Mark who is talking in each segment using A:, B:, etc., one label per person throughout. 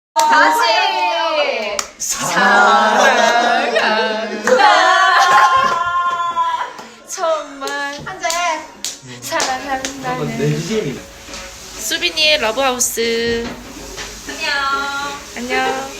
A: 다시 사랑한다. 정말
B: 한잔
A: 사랑한다는
C: 내지잼이
A: 수빈이의 러브하우스.
B: 안녕.
A: 안녕.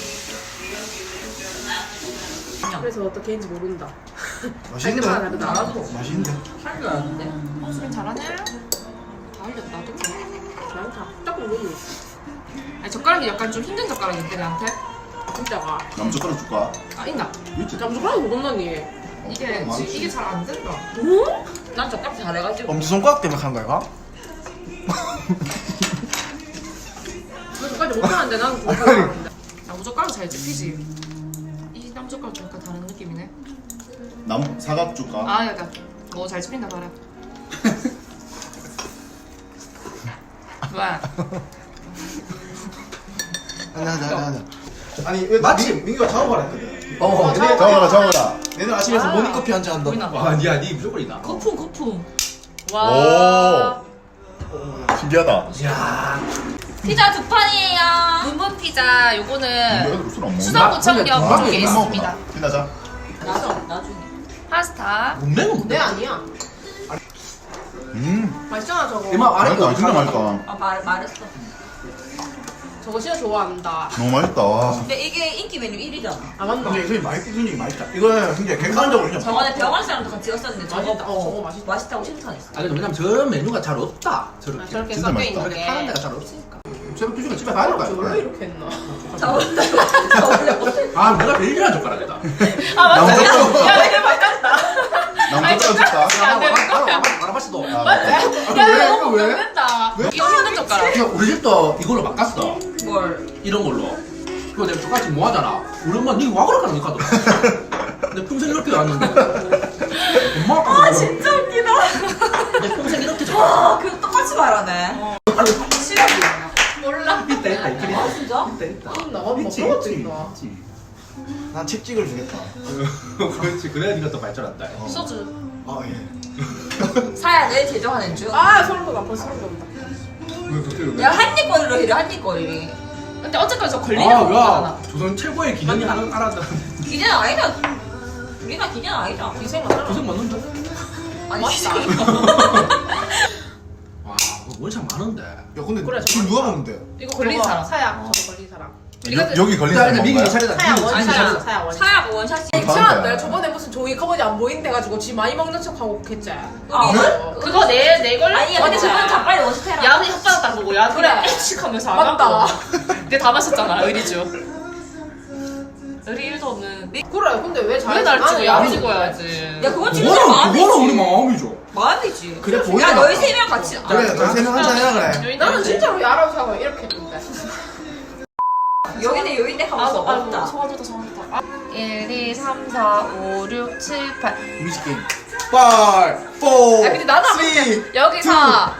B: 그래서 어떻게 했는지 모른다.
D: 맛있는데?
B: 나도
D: 맛있는데?
B: 살도 나는데.
A: 수빈 잘하네.
B: 다 흘렸다. 나도 잘한다. 조금 모르.
A: 아니 젓가락이 약간 좀 힘든 젓가락인데 나한테.
B: 진짜가.
D: 남젓가락 줄까?
A: 아 있나?
D: 있지?
B: 잠수가락 못 온다니.
A: 이게 이게 잘 안 된다.
B: 응? 난 젓가락 잘해가지고.
D: 엄지손가락 때문에 한 거야?
B: 너 젓가락 못하는데 나는 그거 잘하는데.
A: 나무젓가락 잘 집히지. 이 나무젓가락 좀 약간 다른 느낌이네.
D: 사각 줄까?
A: 아 약간 뭐 잘 집힌다 봐라. 뭐야?
D: 아니
E: 마침 민규가 작업을 했거든.
D: 잡아라
E: 내일 아침에서 모닝커피 한잔 한다.
A: 보이나 봐.
C: 아니야 니 무조건이다.
A: 거품.
D: 오
A: 와.
D: 신기하다
E: 이야.
B: 피자 두 판이에요.
A: 문분 피자 요거는
D: 애들 술안 먹나?
A: 수성구청
E: 나
A: 쪽에 있습니다.
D: 끝나자
B: 나중에.
A: 파스타.
E: 문맹은
B: 내 아니야. 맛있잖아 저거.
E: 이마 아래
D: 맛있다 진짜 맛있다
B: 말했어. 저거 진짜 좋아한다.
D: 너무 맛있다 와.
F: 근데 이게 인기 메뉴 1위잖아.
B: 아 맞나?
E: 근데 이게 맛있긴 굉장히 맛있다. 이거는 굉장히 객관적으로 그냥
F: 저번에 병원 사람도 같이 갔었는데 저거
B: 맛있다. 저거 맛있다.
F: 맛있다고 칭찬했어.
E: 아 근데 왜냐면 저 메뉴가 잘 없다.
B: 아,
E: 저렇게.
B: 저렇게
D: 진짜
B: 섞여
D: 맛있다.
B: 있는
E: 저렇게
B: 게.
E: 파는 데가 잘 없으니까. 새벽 2시간 집에 가야 될 거
B: 원래
E: 아니야.
B: 이렇게 했나?
E: 아 내가 제일 좋아하는 젓가락이다.
A: 아 맞아.
D: 나무젓가락
A: 야 내가 바꿨다.
D: 남젓가락 줄까?
E: 알아봤어도.
D: 아, 맞다.
A: 야
E: 왜?
A: 너무
E: 왜?
A: 먹는다. 이거 힘든 젓가락.
E: 그냥 우리 집도 이걸로 바꿨어.
F: 뭘?
E: 이런 걸로. 그거 내가 똑같이 뭐 하잖아. 우리 엄마 니와 그럴까 안 하더라. 근데 평생 이렇게 왔는데. 엄마 아빠. 아
F: 진짜 웃기다.
E: 내 평생 이렇게 좋아.
F: 와, 그 똑같이 말하네.
A: 몰라.
E: 있다 있다 있다.
F: 아 진짜?
E: 있다.
B: 나가 뭐
E: 있지
B: 그런 것도
E: 있지.
B: 있나?
E: 있지.
D: 난 칙찍을 주겠다
E: 그렇지 그래야 니가 더 발전한다.
A: 소주.
D: 아 예.
F: 사야 내일 제정하는 중.
B: 아 소름 돋아. 벌써 소름 돋는다.
E: 왜 그렇게
F: 야 한입거리로 해려 한입거리.
A: 근데 어쨌건 저 걸리는 거잖아.
E: 야 조선 최고의 기념이 하나 알았다.
F: 기계는 아니다. 우리가 기계는 아니다.
B: 인생 많아.
E: 조선 맞는다.
F: 아니
B: 맞다.
E: 와 원샷 많은데.
D: 야 근데
B: 그래,
D: 지금 누가 먹는데?
A: 이거 걸린 사람.
B: 사야. 저거 걸린 사람.
D: 여기 걸린 사람
E: 미기
D: 먹나요?
E: 차례다.
B: 사야
E: 미기
B: 원샷.
E: 차례다.
B: 사야 원샷.
F: 사야가 원샷이.
B: 괜찮아. 내가 저번에 무슨 종이 커버지 안 보인대 가지고 지 많이 먹는 척하고 했지.
F: 아,
A: 그거 내 걸려.
F: 아니야 근데 저건 다 빨리 원샷해라.
A: 야근 혓바닥 딱 보고 야근
B: 그래.
A: 일찍 하면서 안
B: 맞다.
A: 하고. 근데 다 마셨잖아 의리주. 의리 1도 없는. 네
B: 그래. 근데 왜 잘해?
A: 왜날 찍어?
B: 나는
A: 야근
B: 야근
A: 찍어야지.
F: 야 그건 진짜 마음이지.
E: 그거는 우리 마음이죠.
F: 마음이지.
E: 그래,
F: 야
E: 보이잖아.
F: 너희 세 명 같이.
D: 그래 너희 세명 한잔 해라 그래
B: 나는 진짜로 야라고 하고 이렇게 했는데.
F: 여기는 여인데 하면서 없다.
A: 소화 좋다. 1, 2, 3, 4, 5, 6, 7, 8.
E: 뮤직 게임.
D: 5 4
A: 아 근데 나도 여기서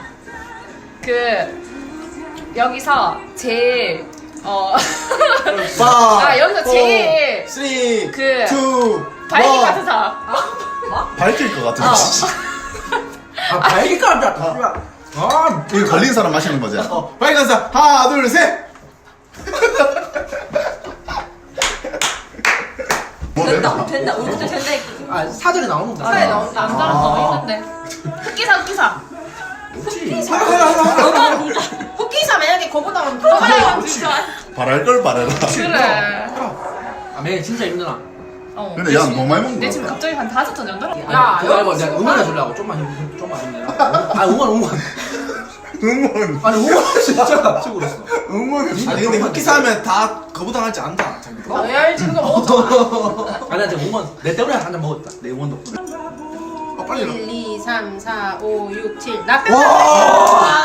A: 여기서 제일 여기서 제일
D: 3
A: 그
D: 2
A: 발기 같은 사람.
D: 밝힐 것 같은데
E: 아 발기까지 왔다. 아
D: 이거 걸린 사람 마시는 거지?
E: 발기간 사 하나 둘 셋.
F: 된다. 우리도 된다 했거든.
E: 아 사전에 나오는 거.
B: 사야 나온다.
A: 남자랑 너무 힘든데. 흑기사.
B: 후키사 만약에 거보다 하면 들어가야
D: 바랄 걸 바래라
A: 그래.
E: 아 매일 진짜 힘드나.
D: 근데 야 너무 많이 먹는
A: 내
D: 거
A: 지금
D: 같아
A: 갑자기 한 5톤 정도?
B: 야,
E: 그거 말고
B: 여기
E: 내가
B: 지금
E: 응원해 주려고 좀만 힘내라. 아 응원.
D: 응원
E: 아니 응원 진짜 친구로서.
D: 응원
E: 아니 근데 흑기사 하면 다 거부당하지 않다.
B: 왜 알지? 그거 먹었잖아.
E: 아니 나 지금 응원 내 때문에 한 잔 먹었다. 내 응원 덕분에. 아 빨리
B: 1, 2, 3, 4, 5, 6, 7. 나 뺀다.
D: 와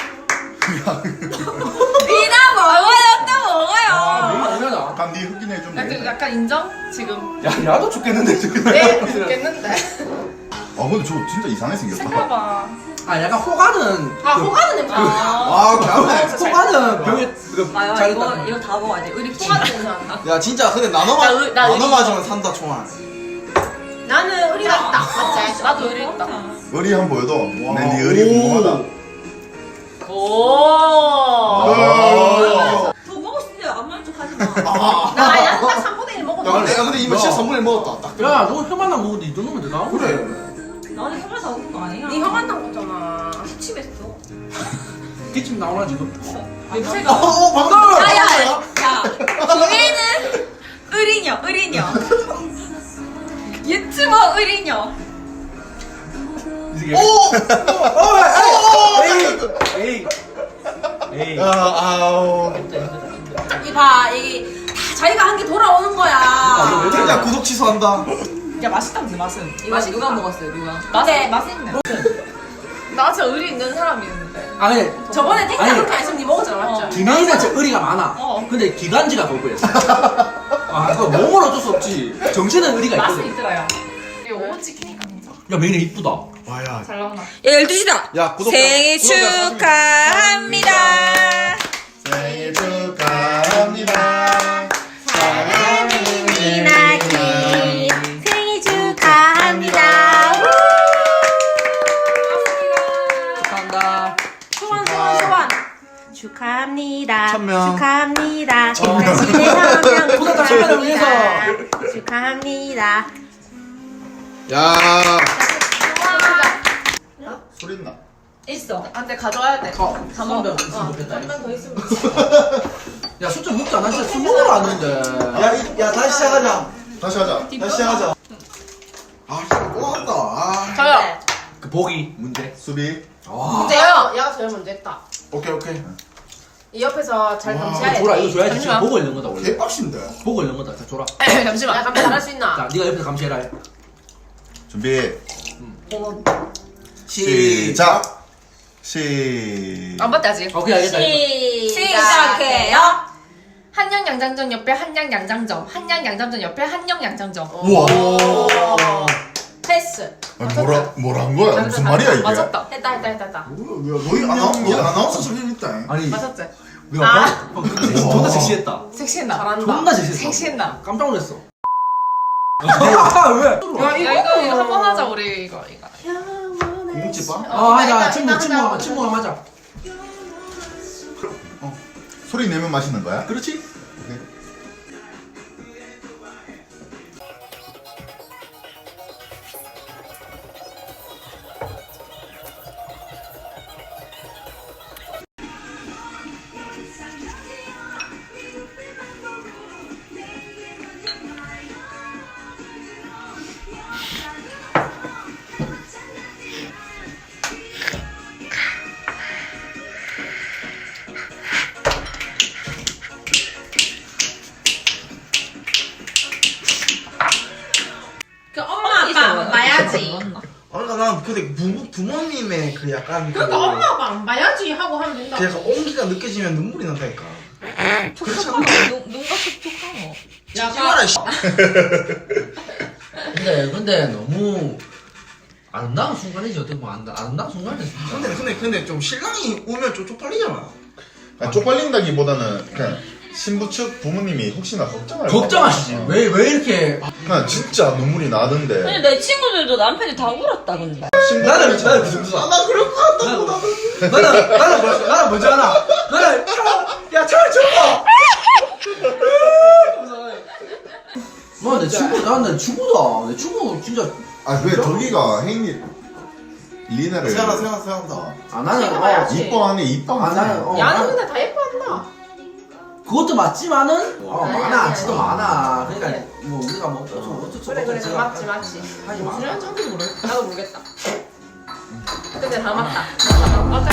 F: 니나 먹어요 또 먹어요.
E: 응원하자.
D: 감니 흑인 해좀
A: 약간 인정? 지금.
E: 야 야도 죽겠는데 지금.
B: 네, 죽겠는데.
D: 아 근데 저 진짜 이상하게 생겼다
A: 생각봐.
E: 아 약간 호가는.
B: 아, 호가는 냄새.
D: 아 그래
E: 호가는 병에
F: 아유
E: 잘했다.
F: 이거 다 먹어야 돼. 우리
B: 호가는 냄새 난다.
E: 야 진짜 근데 나눠
A: 나 의리
E: 맞으면 산다 총알.
B: 나는 의리가 있다. 맞지?
A: 나도 의리 있다.
D: 의리 한번 보여도 내네 의리 궁금하다
A: 오.
D: 아.
F: 더 먹고 싶은데 안 먹는 척
B: 나 양딱 3분의 1 먹었어.
D: 야 근데 이거 진짜 3분의 1 먹었다. 딱.
E: 야, 너 혀만 안 먹는데 이 정도면 되나?
D: 그래.
F: 나는 혀만 사온 거 아니야?
B: 네 형한 탕 먹잖아.
F: 기침했어.
E: 기침 나오나 지금?
B: 냄새가.
D: 방금.
F: 야야야. 기회는 의리녀. 유튜버 의리녀.
E: 에이.
D: 아우.
B: 이봐 이 다 자기가 한 게 돌아오는 거야.
D: 진짜 구독 취소한다.
A: 야 맛있다 근데 맛은.
F: 이거 누가 먹었어요 누가?
B: 근데
A: 맛있네.
B: 나 진짜 의리 있는 사람이었는데.
E: 아 근데
B: 저번에 택시
E: 아니.
B: 그렇게 안 했으면 니 먹었잖아 맞죠?
E: 김혜인은 진짜 의리가 많아. 근데 기관지가 거부했어. 아, 그거 몸은 어쩔 수 없지. 정신은 의리가
A: 맛은
E: 있거든.
A: 있더라요. 이거 오븐 치킨이니까 진짜.
E: 야, 메인이 이쁘다.
D: 와야.
A: 잘 나오나?
F: 야 12시다.
D: 야 구독자.
F: 생일 축하합니다.
D: 생일 축하합니다.
F: 이나기 생일 축하합니다.
E: 축하한다.
B: 소환.
F: 축하합니다.
D: 1000명.
F: 축하합니다.
D: 1000명.
F: 축하합니다.
E: 구독자 1000명을 위해서.
F: 축하합니다.
D: 야. 소리 나.
F: 있어.
B: 아, 근데 가져와야 돼.
E: 3만 있으면 좋겠다.
B: 3만 더 있으면.
E: 야, 술 좀 먹자. 난 진짜 술 먹으러 왔는데.
C: 야 다시 시작하자.
D: 다시 하자.
C: 다시 시작하자. 아 진짜 또 한다. 아.
B: 저요.
E: 그 보기 문제.
D: 수비.
E: 와.
B: 문제요. 얘가 제일 먼저 했다.
C: 오케이 오케이.
B: 이 옆에서 잘
C: 와,
B: 감시해야 돼.
E: 줘라, 이거 줘야지. 지금
A: 잠시만.
E: 보고 있는 거다, 원래.
C: 개빡신데.
E: 보고 있는 거다. 자, 줘라.
A: 잠시만.
B: 야 감시 잘할 수 있나?
E: 자, 네가 옆에서 감시해라.
D: 준비.
E: 시작.
D: 시작.
A: 안 봤대 아직.
E: 오케이, 알겠다.
B: 시작해요.
A: 한양 양장점 옆에 한양 양장점. 한양 양장점 옆에 한영 양장점.
D: 우와.
B: 패스.
D: 아니, 뭐란 거야? 무슨 말이야 이게?
A: 맞았다.
B: 했다.
C: 너희 아나운서 소리 있다.
E: 아니,
A: 맞았지?
E: 네가 존나 섹시했다.
A: 섹시했나?
B: 잘한다.
E: 존나 섹시했어.
A: 섹시했나?
E: 깜짝 놀랐어. 아, 왜?
A: 야 이거 한번 하자 우리 이거.
C: 공집밥?
E: 하자. 친구가 맞아.
D: 소리 내면 맛있는 거야?
E: 그렇지?
D: 오케이.
B: 그 엄마 아빠 안 봐야지.
C: 그러니까 난 근데 부모님의 그 약간
B: 그러니까 엄마 아빠 안 봐야지 하고 하면 된다.
C: 그 약간 온기가 느껴지면 눈물이 난다니까.
F: 촉촉하노. 눈가 촉촉하노.
C: 찍어라 씨.
E: 근데 너무 아름다운 순간이지 어떻게 보면 아름다운 순간이지.
C: 근데 좀 신랑이 오면 좀 쪽팔리잖아.
D: 아니, 쪽팔린다기보다는 그냥 신부 측 부모님이 혹시나 걱정할
E: 걱정하시지.
D: 어.
E: 왜 이렇게
D: 그냥 진짜 눈물이 나던데.
F: 근데 내 친구들도 남편이 다 울었다 근데.
E: 나는 그 정도다.
C: 나 그럴 것 같다고
E: 나는 뭔지 알아? 나는 차를 줘. 내 친구다. 내 친구 진짜.
D: 아 왜 덕이가 혜인이 리나를
C: 세안다.
E: 아 나는
B: 봐야지.
D: 이뻐하네 이뻐하네.
E: 나는
B: 야는 근데 다 예뻐한다.
E: 그것도 맞지만은 많아 진짜 많아. 그러니까 뭐 우리가 뭐
B: 그래 다 맞지.
E: 하지 마.
B: 나도 모르겠다. 근데 다 맞다. 맞다.